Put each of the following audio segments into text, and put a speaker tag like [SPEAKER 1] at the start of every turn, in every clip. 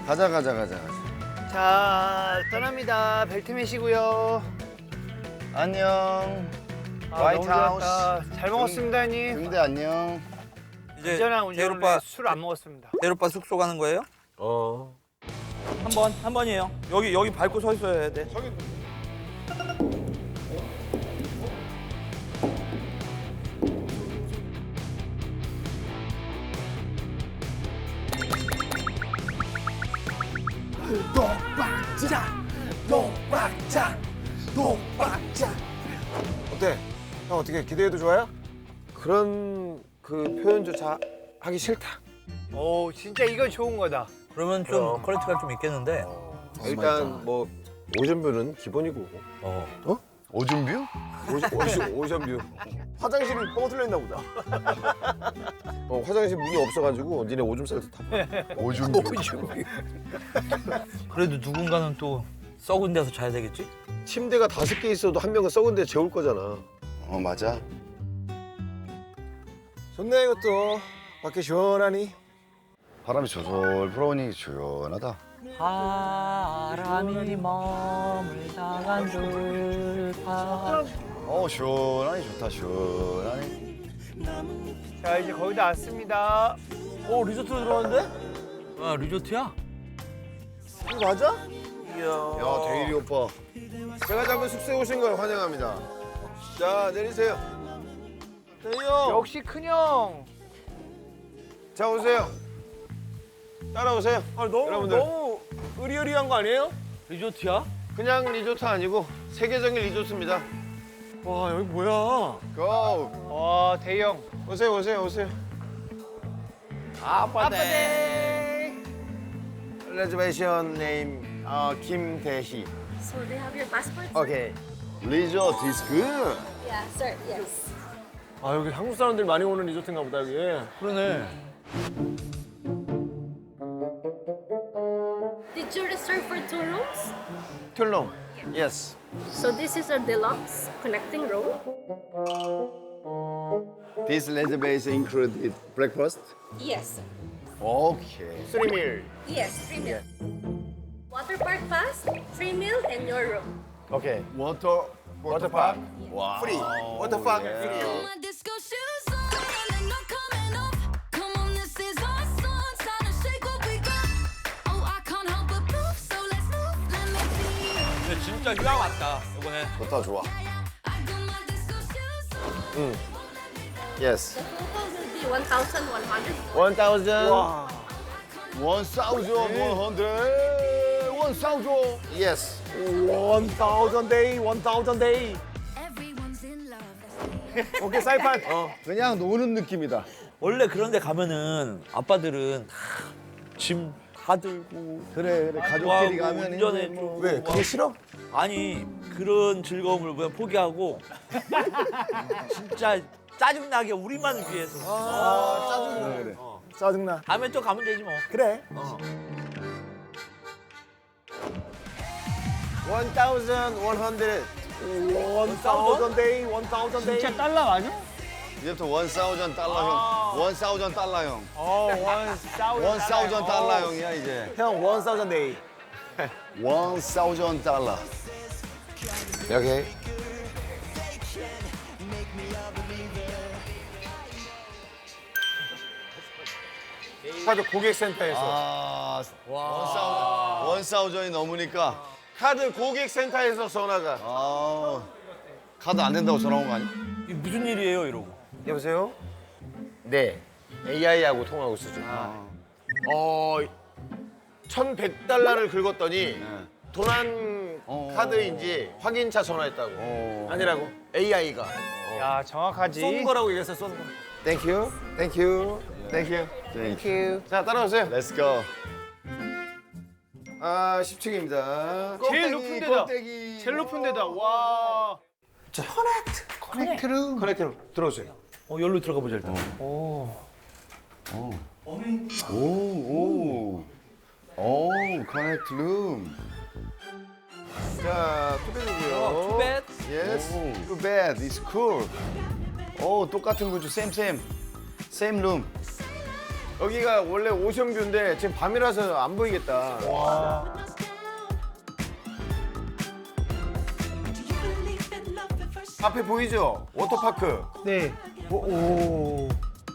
[SPEAKER 1] 가자.
[SPEAKER 2] 자, 떠납니다. 벨트 매시고요.
[SPEAKER 1] 안녕.
[SPEAKER 2] 아,
[SPEAKER 1] 화이트
[SPEAKER 2] 너무
[SPEAKER 1] 하우스.
[SPEAKER 2] 좋았다. 잘 먹었습니다, 형님.
[SPEAKER 1] 근데 안녕.
[SPEAKER 3] 이제
[SPEAKER 2] 운전한 운전을
[SPEAKER 3] 대로빠
[SPEAKER 2] 술안 먹었습니다.
[SPEAKER 3] 대로빠 숙소 가는 거예요? 한 번이에요. 여기 밟고 서 있어야 돼.
[SPEAKER 4] 어때? 형 어떻게 기대해도 좋아요? 그런 그 표현조차 하기 싫다.
[SPEAKER 2] 오, 진짜 이거 좋은 거다.
[SPEAKER 3] 그러면 좀 퀄리티가 좀 있겠는데.
[SPEAKER 4] 일단 뭐 오션뷰는 기본이고.
[SPEAKER 1] 오줌뷰?
[SPEAKER 4] 오션뷰. 화장실이 뻥 뚫려 있나 보다. 화장실 문이 없어가지고 니네 오줌 쌀 때 타.
[SPEAKER 1] 오줌뷰.
[SPEAKER 3] 그래도 누군가는 또 썩은 데서 자야 되겠지?
[SPEAKER 4] 침대가 5개 있어도 한 명은 썩은 데 재울 거잖아.
[SPEAKER 1] 맞아.
[SPEAKER 4] 좋네 이것도. 밖에 시원하니.
[SPEAKER 1] 바람이 솔솔 불어오니 시원하다.
[SPEAKER 3] 바람이 머물다간 들파.
[SPEAKER 1] 시원하니 좋다 시원하니.
[SPEAKER 2] 자, 이제 거의 다 왔습니다.
[SPEAKER 3] 리조트로 들어왔는데? 아, 리조트야?
[SPEAKER 4] 이거 맞아?
[SPEAKER 1] 야 대일이 오빠.
[SPEAKER 4] 제가 잡은 숙소에 오신 걸 환영합니다. 자 내리세요. 대형.
[SPEAKER 2] 역시 큰형.
[SPEAKER 4] 자 오세요. 따라오세요. 여러분들.
[SPEAKER 5] 너무 으리으리한 거 아니에요?
[SPEAKER 3] 리조트야?
[SPEAKER 4] 그냥 리조트 아니고 세계적인 리조트입니다.
[SPEAKER 5] 와 여기 뭐야?
[SPEAKER 4] 고!
[SPEAKER 2] 와, 대형.
[SPEAKER 4] 오세요.
[SPEAKER 2] 아빠네.
[SPEAKER 4] 레저베이션 네임 김대희.
[SPEAKER 6] So they have your passports?
[SPEAKER 4] 오케이.
[SPEAKER 1] 리조트 is good.
[SPEAKER 6] Yeah, sir. Yes.
[SPEAKER 5] 아 여기 한국 사람들 많이 오는 리조트인가 보다 여기.
[SPEAKER 3] 그러네.
[SPEAKER 6] Did you reserve for 2 rooms?
[SPEAKER 4] 툴롱. Yes.
[SPEAKER 6] So this is a deluxe connecting room.
[SPEAKER 1] This reservation included breakfast.
[SPEAKER 6] Yes.
[SPEAKER 1] Okay.
[SPEAKER 4] 3밀.
[SPEAKER 6] Yes, 3 meal. Water park pass, 3 meal, and your room.
[SPEAKER 4] 오케이.
[SPEAKER 1] 워터파크. 와.
[SPEAKER 4] 프리. 워터파크
[SPEAKER 1] 예.
[SPEAKER 4] 프리.
[SPEAKER 7] My disco shoes on and they're not coming off. Come on, this is our song. Time to shake what we got. Oh, I can't help but move, so let's move. Let me see you.
[SPEAKER 3] 근데 진짜 휴양 왔다, 이번에.
[SPEAKER 1] 좋다 좋아.
[SPEAKER 7] I got my disco shoes on.
[SPEAKER 4] Yes.
[SPEAKER 6] The total will be 1,100.
[SPEAKER 4] 1,000.
[SPEAKER 5] 와.
[SPEAKER 1] 1,100.
[SPEAKER 4] Yes.
[SPEAKER 5] 1,000 day, 1,000 day.
[SPEAKER 7] Everyone's in love.
[SPEAKER 5] 오케이 사이판.
[SPEAKER 1] 그냥 노는 느낌이다.
[SPEAKER 3] 원래 그런 데 가면은 아빠들은 다 짐 다 들고
[SPEAKER 1] 그래 가족끼리 가면
[SPEAKER 3] 운전해주고
[SPEAKER 4] 왜? 그게 싫어?
[SPEAKER 3] 아니 그런 즐거움을 그냥 포기하고 진짜 짜증나게 우리만을 위해서
[SPEAKER 1] 짜증나 그래.
[SPEAKER 5] 짜증나.
[SPEAKER 3] 다음에 또 가면 되지 뭐.
[SPEAKER 5] 그래.
[SPEAKER 4] 1,100.
[SPEAKER 5] 1,000 day, 1,000 day.
[SPEAKER 2] 진짜 달러 맞아?
[SPEAKER 1] 이제부터 1,000 달러 형. 1,000 달러 형.
[SPEAKER 2] 1,000
[SPEAKER 1] 1,000 달러 형이야 이제.
[SPEAKER 5] 형 1,000 day.
[SPEAKER 1] 1,000 달러.
[SPEAKER 4] 여기. 카드 고객센터에서.
[SPEAKER 1] 아, 1,000이 넘으니까.
[SPEAKER 4] 카드 고객센터에서 전화가.
[SPEAKER 1] 카드 안 된다고 전화 온 거 아니야?
[SPEAKER 3] 이게 무슨 일이에요 이러고.
[SPEAKER 4] 여보세요? 네. AI하고 통화하고 있어 지금. 1,100달러를 긁었더니 도난 카드인지 확인차 전화했다고. 아니라고. AI가.
[SPEAKER 2] 야, 정확하지.
[SPEAKER 5] 쏜 거라고 얘기했어, 쏜 거.
[SPEAKER 4] 땡큐. 땡큐. 땡큐. 땡큐. 자, 따라오세요.
[SPEAKER 1] Let's go.
[SPEAKER 4] 10층입니다.
[SPEAKER 2] 제일 높은 데다. 제일 높은 데다. 와.
[SPEAKER 4] 커넥트룸 들어오세요.
[SPEAKER 3] 여기로 들어가 보자 일단.
[SPEAKER 1] 커넥트 룸.
[SPEAKER 4] 자, 투bed이고요.
[SPEAKER 3] 투벳.
[SPEAKER 1] Yes. Too bad. It's cool. 똑같은 구조. Same 룸.
[SPEAKER 4] 여기가 원래 오션뷰인데 지금 밤이라서 안 보이겠다. 앞에 보이죠? 워터파크.
[SPEAKER 2] 네. 오.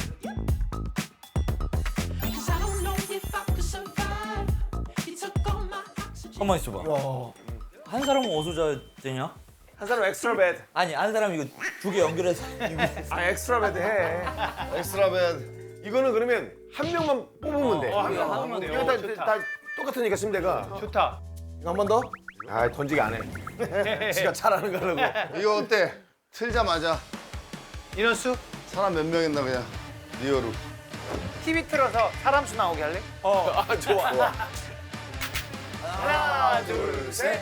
[SPEAKER 3] 가만 있어봐. 한 사람은 어디서 자야 되냐?
[SPEAKER 4] 한 사람 엑스트라 베드.
[SPEAKER 3] 아니 한 사람 이거 두 개 연결해서
[SPEAKER 4] 아 엑스트라 베드 해.
[SPEAKER 1] 엑스트라 베드.
[SPEAKER 4] 이거는 그러면 한 명만 뽑으면 돼.
[SPEAKER 2] 한 명 뽑으면 돼요.
[SPEAKER 4] 이거
[SPEAKER 2] 좋다.
[SPEAKER 4] 다 똑같으니까 침대가.
[SPEAKER 2] 좋다.
[SPEAKER 4] 이거 한 번 더? 아 던지기 안 해. 지가 잘하는 거라고.
[SPEAKER 1] 이거 어때? 틀자마자
[SPEAKER 2] 인원수?
[SPEAKER 1] 사람 몇 명 있나 그냥 리얼로.
[SPEAKER 2] TV 틀어서 사람 수 나오게 할래?
[SPEAKER 4] 아 좋아. 좋아.
[SPEAKER 2] 하나, 둘, 셋.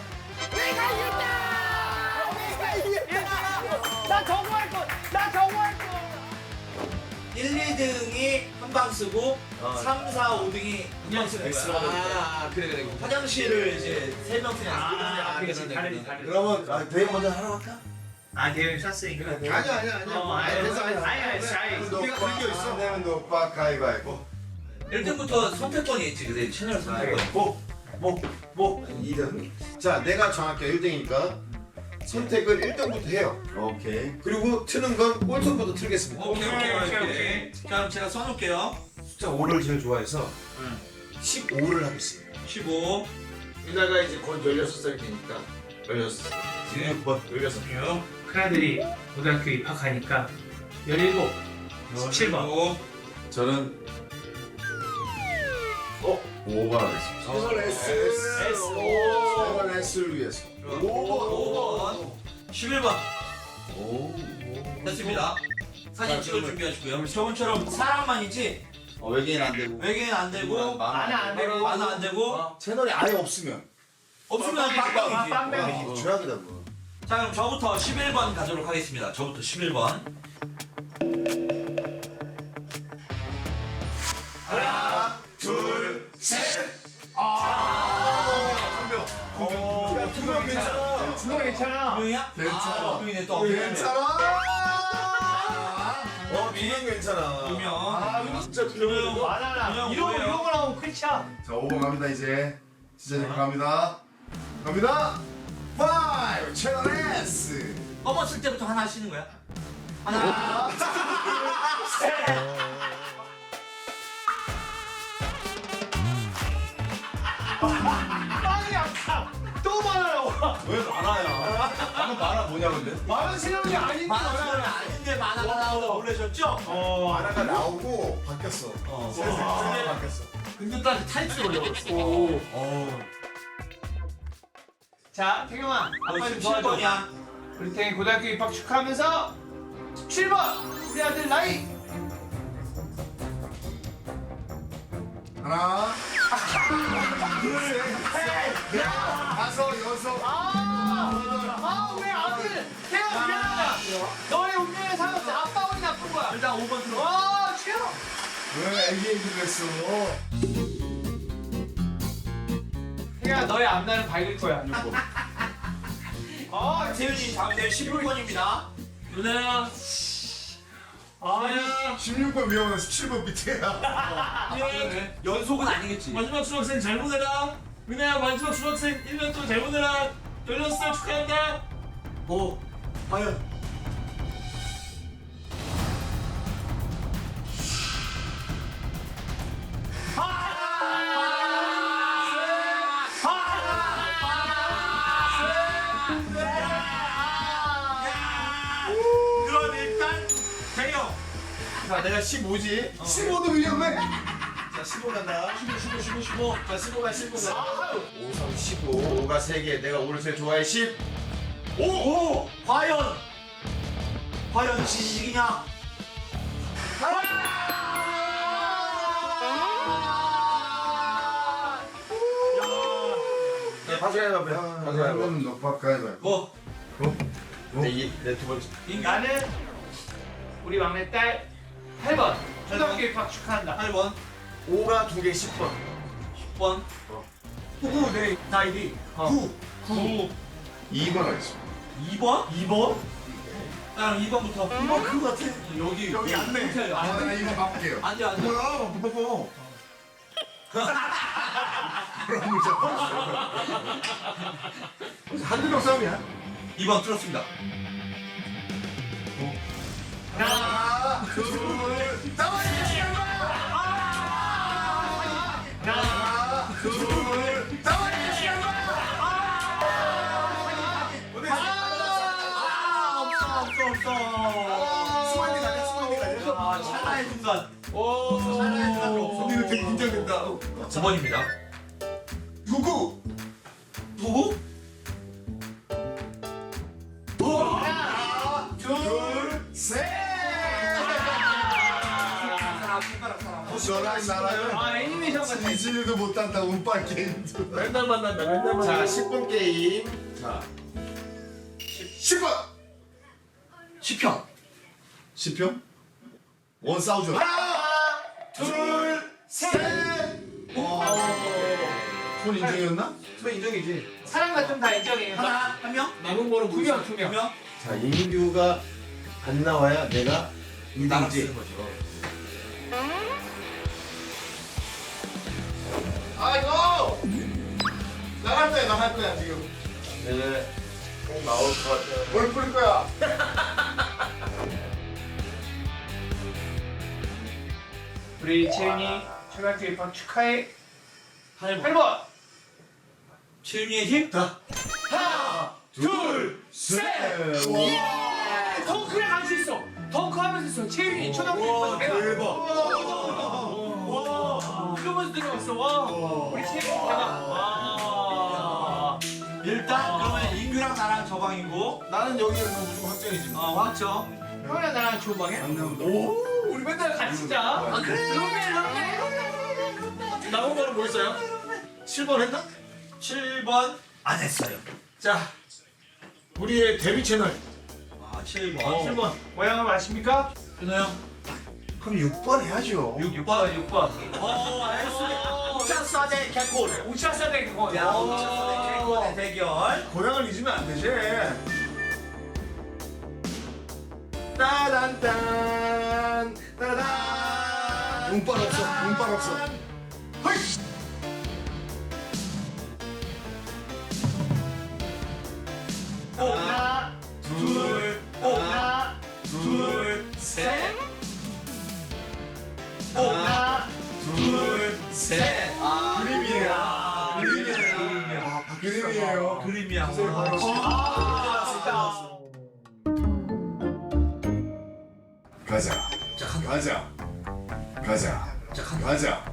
[SPEAKER 2] 나 저거 할 거. 나 저거 할 거.
[SPEAKER 3] 1, 2등이 한 방 쓰고 3, 4, 5등이 한 방 쓰는 거야.
[SPEAKER 5] 아, 그래.
[SPEAKER 3] 화장실을 이제 3명 쓰냐.
[SPEAKER 2] 아, 그렇지. 다르지.
[SPEAKER 5] 그러면 대회 먼저 하러 갈까?
[SPEAKER 2] 아, 대회 쐈으니까.
[SPEAKER 1] 아니야.
[SPEAKER 2] 우리가 그런 게 있어.
[SPEAKER 1] 내면 높아 가위바위보.
[SPEAKER 3] 1등부터 선택권이 있지. 근데 채널 선택권.
[SPEAKER 1] 뭐 2등. 자, 내가 정확히 1등이니까 선택을 1등부터 해요. 오케이. 그리고 트는 건 꼴통부터 틀겠습니다.
[SPEAKER 3] 오케이. 자, 그럼 제가 써놓을게요.
[SPEAKER 1] 숫자 5를 제일 좋아해서 15를 하겠습니다.
[SPEAKER 3] 15.
[SPEAKER 1] 이나가 이제 곧 16살 되니까 16. 16번 16.
[SPEAKER 2] 큰아들이 고등학교 입학하니까 17, 17번.
[SPEAKER 1] 저는 5번 하겠습니다.
[SPEAKER 5] 최선 S.
[SPEAKER 1] 세번 S를 위해서.
[SPEAKER 3] 5번. 11번. 됐습니다. 사진 찍을 준비하시고요. 저번처럼 사람만이지
[SPEAKER 1] 외계인 안 되고.
[SPEAKER 3] 외계인 안 되고
[SPEAKER 2] 만화 안 되고.
[SPEAKER 3] 만화 안 되고
[SPEAKER 1] 채널이 아예 없으면
[SPEAKER 3] 없으면 빵빵이지.
[SPEAKER 2] 빵빵이지.
[SPEAKER 1] 최악이다.
[SPEAKER 3] 자 그럼 저부터 11번 가도록 하겠습니다. 저부터 11번.
[SPEAKER 1] 하나, 둘, 셋.
[SPEAKER 4] 두명 괜찮아.
[SPEAKER 2] 그거 괜찮아.
[SPEAKER 3] 명이야?
[SPEAKER 1] 괜찮아.
[SPEAKER 3] 명이네 또.
[SPEAKER 1] 괜찮아.
[SPEAKER 4] 두명 괜찮아.
[SPEAKER 3] 명.
[SPEAKER 4] 진짜
[SPEAKER 3] 명.
[SPEAKER 2] 만화나. 이런 거 나오면 끝이야.
[SPEAKER 1] 자, 5번 갑니다 이제. 진짜 갑니다. 갑니다. 5 채널 S.
[SPEAKER 3] 뽑았을 때부터 하나 하시는 거야? 하나.
[SPEAKER 2] 빵이 아파. 또 만화요.
[SPEAKER 1] 왜 만화야? 방금 만화 뭐냐 근데?
[SPEAKER 2] 만화 실력이 아닌데.
[SPEAKER 3] 만화는 아닌데 만화가 나오다 놀라셨죠?
[SPEAKER 1] 만화가 나오고 바뀌었어. 세상이 바뀌었어.
[SPEAKER 3] 근데 딱 타이틀 올려버렸어.
[SPEAKER 2] 자, 태경아. 아빠 좀 도와줘.
[SPEAKER 3] 17번이야.
[SPEAKER 2] 우리 태경이 고등학교 입학 축하하면서 17번. 우리 아들 나이.
[SPEAKER 1] 하나, 둘, 셋, 다섯, 여섯.
[SPEAKER 2] 우리 아들. 태경아 미안하다. 너의 운명에 살았어. 아빠 운이 나쁜 거야.
[SPEAKER 3] 일단 5번 들어.
[SPEAKER 2] 와, 최고.
[SPEAKER 1] 왜 애기 얘기를 했어?
[SPEAKER 2] 태경아 너의 앞날은 밝을 거야.
[SPEAKER 3] 세윤이 다음 대 16번입니다. 누나야. 누나야.
[SPEAKER 1] 16번 위험한 17번 밑에야.
[SPEAKER 3] 연속은 아니겠지.
[SPEAKER 8] 마지막 수학생 잘 보내라. 은혜야 마지막 수학생 1년 동안 잘 보내라. 16살 축하한다.
[SPEAKER 3] 오. 과연.
[SPEAKER 8] 그럼 일단 대영.
[SPEAKER 1] 자, 내가 15지. 15도 위험해. 자, 15 간다. 15. 자, 15가 15가. 5, 3, 15. 5가 3개. 내가 5를 제일 좋아해. 10.
[SPEAKER 3] 오! 과연! 과연 진식이냐?
[SPEAKER 4] 가져가야 돼.
[SPEAKER 1] 가위바위보. 높아 가위바위보.
[SPEAKER 3] 뭐?
[SPEAKER 1] 내두 번째.
[SPEAKER 2] 나는 우리 막내딸 8번. 초등학교 입학 축하한다.
[SPEAKER 3] 8번,
[SPEAKER 4] 5가 2개 10번.
[SPEAKER 3] 10번,
[SPEAKER 4] 9, 내 나이디. 9.
[SPEAKER 2] 9.
[SPEAKER 1] 2번 하겠습니다.
[SPEAKER 3] 2번?
[SPEAKER 2] 2번?
[SPEAKER 3] 나랑 2번부터.
[SPEAKER 1] 2번 그거 같아. 여기 안내.
[SPEAKER 3] 안
[SPEAKER 1] 나 이거 바꿀게요.
[SPEAKER 3] 앉아, 앉아.
[SPEAKER 1] 뭐야? 뽀뽀. 한두명 싸움이야?
[SPEAKER 3] 2번 뚫었습니다.
[SPEAKER 1] 하나, 둘, 나와야 하나, 둘, 나와야
[SPEAKER 3] 없어.
[SPEAKER 1] 수고했니 가냐? 수고했니 가냐?
[SPEAKER 3] 아, 찰나의 순간.
[SPEAKER 1] 찰나의 순간 없어. 근데 이거 되게 긴장된다.
[SPEAKER 3] 9번입니다.
[SPEAKER 1] 누구?
[SPEAKER 3] 누구?
[SPEAKER 1] 하나, 둘, 셋. 너랑 나랑
[SPEAKER 2] 아 애니메이션 같아.
[SPEAKER 1] 디즈니도 못한다 운빨 게임도.
[SPEAKER 8] 맨날 만난다 맨날 만난다.
[SPEAKER 1] 자, 10분 게임. 자, 10분.
[SPEAKER 3] 10편.
[SPEAKER 1] 10편? 원 싸우죠. 하나, 둘, 셋. 손 인정이었나?
[SPEAKER 3] 저 인정이지.
[SPEAKER 2] 사람 같으면 다 인정해요.
[SPEAKER 3] 하나, 한 명?
[SPEAKER 8] 남은 거는
[SPEAKER 2] 두 명, 두 명.
[SPEAKER 3] 2명?
[SPEAKER 1] 자, 인규가 안 나와야 내가
[SPEAKER 3] 나랑
[SPEAKER 1] 2등이지.
[SPEAKER 3] 쓰는 거죠.
[SPEAKER 1] 아, 이거! 나갈 거야, 지금. 네. 꼭 나올 것 같아. 뭘 뿌릴 거야?
[SPEAKER 2] 우리 채윤이 초등학교 입학 축하해. 8번.
[SPEAKER 3] 최윤이의 힘?
[SPEAKER 1] 둘, 셋. 와,
[SPEAKER 2] 덩크랑 갈 수 있어. 덩크 하면서 있어. 채윤이 초등학교 입학 대박. 그러면서 들어갔어. 와. 우리 채윤이 대박. 와.
[SPEAKER 3] 일단 그러면 인규랑 나랑 저방이고
[SPEAKER 1] 나는 여기는 뭐 무조건 확정이지.
[SPEAKER 3] 확정.
[SPEAKER 2] 형이랑 나랑 좋은 방에?
[SPEAKER 1] 오,
[SPEAKER 2] 우리 맨날 같이 자. 아 그래? 룸메.
[SPEAKER 8] 남은 거는 뭐 있어요? 7번 했나?
[SPEAKER 3] 7번 안 했어요.
[SPEAKER 8] 자 우리의 데뷔 채널.
[SPEAKER 3] 아 7번.
[SPEAKER 8] 7번.
[SPEAKER 2] 모양을 아십니까?
[SPEAKER 3] 준호 형.
[SPEAKER 1] 그럼 6번 해야죠.
[SPEAKER 2] 6번.
[SPEAKER 3] 알겠습니다. 우차사대 개골.
[SPEAKER 2] 우차사대 그거.
[SPEAKER 3] 야 우차사대 개골의 대결.
[SPEAKER 1] 고향을 잊으면 안 되지. 따단딴 따단. 운빨 없어. 허이.
[SPEAKER 2] 하나, 하나,
[SPEAKER 3] 둘, 셋.
[SPEAKER 2] 하나,
[SPEAKER 3] 셋.
[SPEAKER 1] 그림이에요.
[SPEAKER 3] 그림이야.
[SPEAKER 1] 가자. 가자.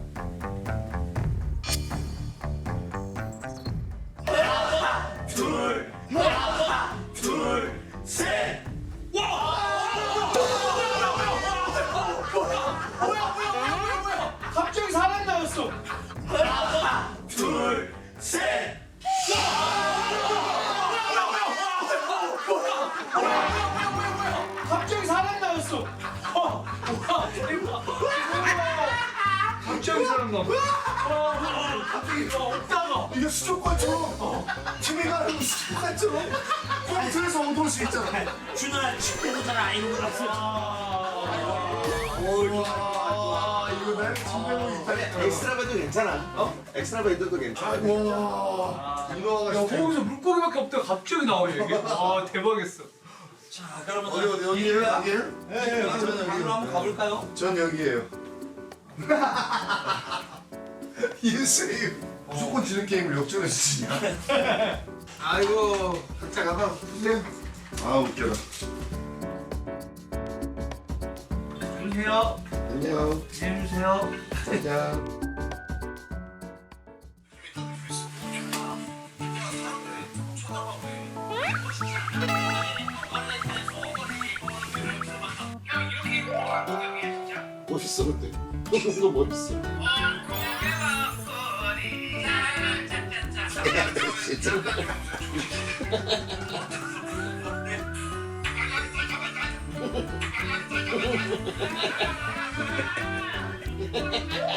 [SPEAKER 3] 둘, 셋.
[SPEAKER 2] 갑자기 사람 나왔어.
[SPEAKER 3] 둘, 셋.
[SPEAKER 2] 갑자기 사람 나왔어. 갑자기 사람 나왔어. 없다가.
[SPEAKER 1] 이게 수족관처럼. TV가 아니고 수족관처럼. 컴퓨터에서 오도올 수 있잖아.
[SPEAKER 3] 준호야 침대도 잘 안 입고 갔어.
[SPEAKER 1] 와, 이거 내 침대로 있다니까.
[SPEAKER 5] 엑스트라 배도 괜찮아. 엑스트라 배도 괜찮아.
[SPEAKER 1] 와, 이거가
[SPEAKER 2] 야, 거기서 물고기밖에 없다가 갑자기 나와요 이게. 와 대박이었어.
[SPEAKER 3] 자, 그러면
[SPEAKER 1] 어디 여기에요? 여기에요? 네,
[SPEAKER 3] 방으로 한번 가볼까요?
[SPEAKER 1] 전 여기에요. 이세요. 무조건 지는 게임을 역전해서 지냐? 아이고, 각자 가봐. 보세요. 아, 웃겨라.
[SPEAKER 2] 안녕하세요.
[SPEAKER 1] 안녕.
[SPEAKER 2] 안녕하세요.
[SPEAKER 1] 안녕. 멋있어, 근데. 너무 멋있어. 진짜.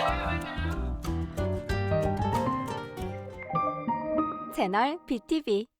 [SPEAKER 9] 채널 BTV